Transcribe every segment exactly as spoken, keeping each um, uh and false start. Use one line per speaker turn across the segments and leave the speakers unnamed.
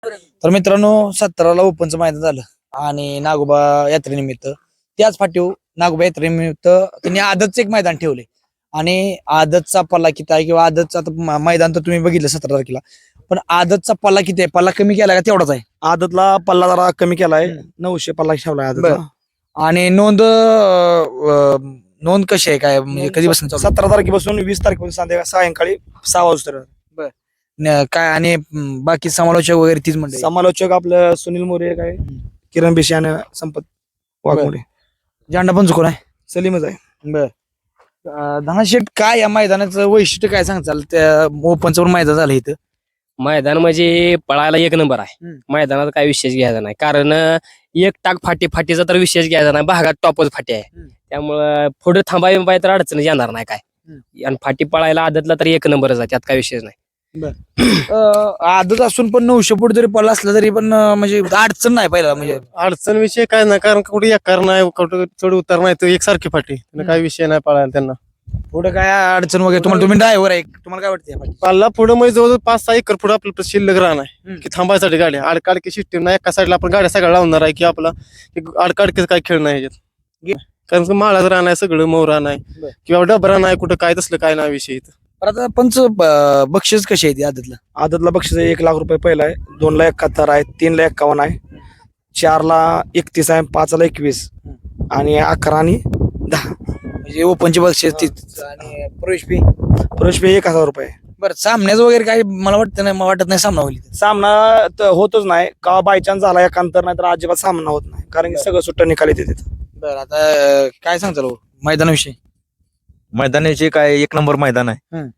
तर मित्रांनो सतराला ओपनचं मैदान झालं आणि नागोबा यात्रेनिमित्त त्याच फाटीव नागोबा यात्रेनिमित्त त्यांनी आदतचं एक मैदान ठेवले आणि आदतचा पल्ला किती आहे किंवा आदतचा आता म- मैदान तर तुम्ही बघितलं सतरा तारखेला, पण आदतचा पल्ला किती आहे? पल्ला कमी केला का तेवढाच आहे?
आदतला पल्ला जरा कमी केलाय,
हम्म.
नऊशे पल्ला ठेवलाय आदतला.
आणि नोंद अं, नोंद कशी आहे काय म्हणजे कधीपासून चालू आहे?
सतरा तारखेपासून वीस तारखेपासून संध्याकाळी सायंकाळी सहा वाजता
न- काय आणि अं, बाकी समालोचक वगैरे तीच म्हणते
समालोचक आपलं सुनील मोरे काय, किरण बिशी आणि संपत वाघमोडे,
झेंडा पण चुकून आहे.
सलीमच आहे.
बर धनाशेठ, काय या मैदानाचं वैशिष्ट्य काय सांगताल? त्या ओपनचं पण मैदान झालं इथं.
मैदान म्हणजे पळायला एक नंबर आहे.
हम्म.
मैदानात काय विशेष घ्यायचा नाही, कारण अं, एक टाक फाटी फाटीचा तर विशेष घ्यायचा नाही, भागात टॉपच फाटी आहे.
हम्म.
त्यामुळं पुढे थांबाय बिंबाय तर अडचण येणार नाही काय. आणि फाटी पळायला आदतला तर एक नंबरच आहे, त्यात काय विशेष नाही.
अं, आदत असून पण नऊशे फूट जरी पडला असला तरी पण अं, म्हणजे अडचण नाही पहिला म्हणजे
अडचण विषय काय नाही, कारण कुठे एकार नाही, कुठे चढ उतार नाही, तो एकसारखी फाटी, त्यांना काय विषय नाही पळायला त्यांना.
पुढे काय अडचण वगैरे तुम्हाला, तुम्ही ड्रायव्हर आहे, तुम्हाला काय वाटतं?
पाल्ला पुढे म्हणजे जवळजवळ पाच सहा एकर पुढे आपलं शिल्लक राहणार
हम्म.
की थांबायसाठी गाड्या आडकाडकी सिस्टीम नाही, एका साईडला आपण गाड्या सगळ्या लावणार आहे की आपला आडकाडकीच काय खेळ नाही ह्याच्यात, कारण की माळाच राहणार सगळं मोर नाही
बर.
किंवा डबरा नाही, कुठं काय तसलं काय नाही विषय इथं.
पण आता पंच ब- बक्षीस कशी आहे ती आदतला?
आदतला बक्षीस आहे, एक लाख रुपये पहिला आहे, दोन ला एकाहत्तर आहे, तीन ला एक्कावन्न आहे, चार ला एकतीस आहे, पाच ला एकवीस आणि अकरा आणि दहा.
म्हणजे ओपनची बक्षीस तीच आणि प्रवेश फी.
प्रवेश फी एक हजार रुपये.
बरं, सामन्याचं वगैरे काय मला वाटतं नाही, मला वाटत नाही सामना होईल इथं.
सामना तर होतच नाही का, बायचान्स झाला एकांतर नाही तर अजिबात सामना होत नाही, कारण की सगळं सुट्ट निकाल येते तिथं.
बरं, आता अं, काय सांगताल हो मैदानाविषयी?
मैदानाचे काय एक नंबर मैदान आहे.
हम्म.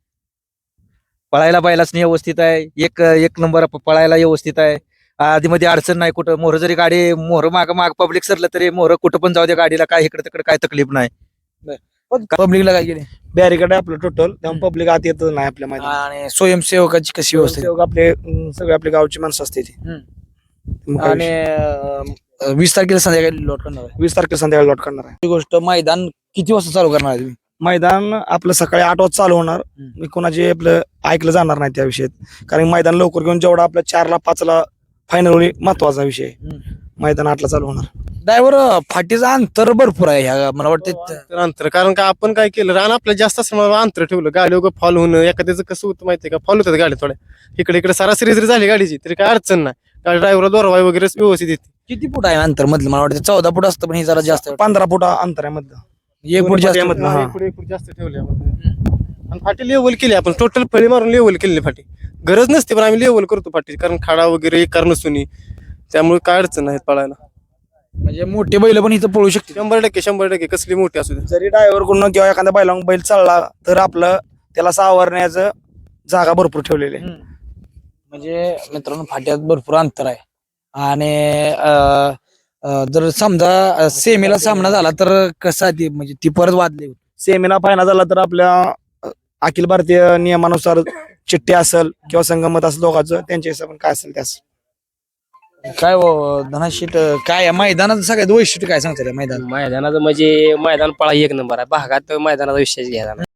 पळायला पाहिलाच नाही, व्यवस्थित आहे. एक एक नंबर प- पळायला व्यवस्थित आहे. आधी मध्ये अडचण नाही कुठं. मोहर जरी गाडी मोहर माग माग पब्लिक सरलं तरी मोहर कुठं पण जाऊ दे गाडीला, काय इकडे तिकडे काय तकलीफ नाही.
पब्लिकला काय केले
बॅरिकेड आहे आपलं टोटल, त्यामुळे पब्लिक आत येतच नाही आपल्या मैदानात.
आणि स्वयंसेवकाची कशी व्यवस्था आहे?
सेवक आपले अं, सगळे आपले गावची माणसं असते ती. मग काय
आणि
विषय.
अं, वीस तारखेला संध्याकाळी लॉट करणार आहे.
वीस तारखेला संध्याकाळी लॉट करणार आहे.
ही गोष्ट मैदान किती वाजता चालू करणार आहे तुम्ही?
मैदान आपलं सकाळी आठ वाजता चालू होणार.
हम्म.
मी कोणाचे आपलं ऐकलं जाणार नाही त्या विषयात, कारण मैदान लवकर घेऊन जेवढा आपल्या चारला पाचला फायनल होईल महत्वाचा विषय आहे. मैदान आठला चालू होणार.
ड्रायव्हर फाटीचं अंतर भरपूर आहे ह्या मला वाटतं.
तर अंतर, कारण का आपण काय केलं, रान आपलं जास्त असल्यामुळे अंतर ठेवलं, गाडी वगैरे फॉल होणं, एखाद्याचं कसं होतं माहितीये का, फॉल होतात गाडी थोड्या इकडे इकडे सरासरी जरी झाली गाडीची तरी काय अडचण नाही, गाडी ड्रायव्हर दोरवाय वगैरे व्यवस्थित येते.
किती फूट आहे अंतर मधलं? मला वाटतं चौदा फूट असतं, पण हे जरा जास्त आहे.
पंधरा फूट अंतर आहे मधलं.
एक फूट जास्त.
मधलं, हा.
एक फूट- एक फूट जास्त ठेवले आपण. आणि फाटी लेवल केली आपण, टोटल फळी मारून लेवल केली फाटी. गरज नसते पण आम्ही लेवल करतो फाटी, कारण खाडा वगैरे कारण नसून, त्यामुळे काय अडचण नाही पळायला.
म्हणजे मोठे बैल पण इथं पळू शकते.
शंभर टक्के शंभर टक्के कसली मोठी असू दे.
जरी ड्रायव्हर कडून किंवा एखाद्या बैला बैल चालला तर आपलं त्याला सावरण्याचं जागा भरपूर ठेवलेली आहे.
म्हणजे मित्रांनो फाट्यात भरपूर अंतर आहे आणि अं, अं, जर समजा सेमीला सामना झाला तर कसा ती म्हणजे ती परत वादली
सेमीला फायनल झाला तर आपल्या अ, अखिल भारतीय नियमानुसार चिठ्ठी असेल किंवा संगमत असेल दोघांचं, त्यांच्या हिशोबाने काय असेल त्यास.
काय हो, धनाशीट काय या मैदानाचं सगळ्यात वैशिष्ट्य काय सांगता मैदान?
मैदानाचं म्हणजे मैदान पळा एक नंबर आहे, भागात मैदानाचा विशेष घ्यायचा नाही.